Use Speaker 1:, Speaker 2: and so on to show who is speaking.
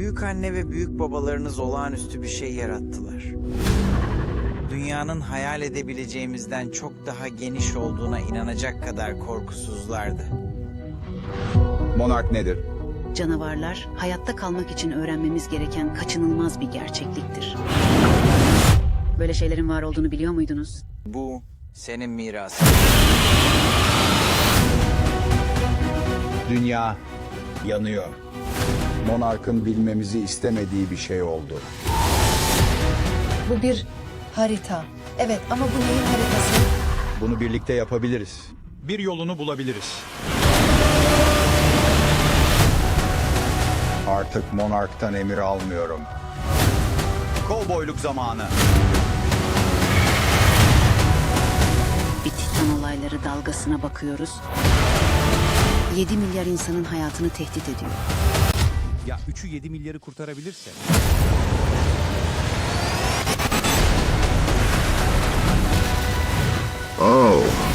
Speaker 1: Büyükanne ve büyük babalarınız olağanüstü bir şey yarattılar. Dünyanın hayal edebileceğimizden çok daha geniş olduğuna inanacak kadar korkusuzlardı.
Speaker 2: Monark nedir?
Speaker 3: Canavarlar, hayatta kalmak için öğrenmemiz gereken kaçınılmaz bir gerçekliktir. Böyle şeylerin var olduğunu biliyor muydunuz?
Speaker 1: Bu senin mirasın.
Speaker 2: Dünya yanıyor. Monark'ın bilmemizi istemediği bir şey oldu.
Speaker 4: Bu bir harita. Evet ama bu neyin haritası?
Speaker 2: Bunu birlikte yapabiliriz. Bir yolunu bulabiliriz. Artık Monark'tan emir almıyorum. Kovboyluk zamanı.
Speaker 3: Bir Titan olayları dalgasına bakıyoruz. 7 milyar insanın hayatını tehdit ediyor.
Speaker 5: Ya 3'ü 7 milyarı kurtarabilirse?
Speaker 6: Oh.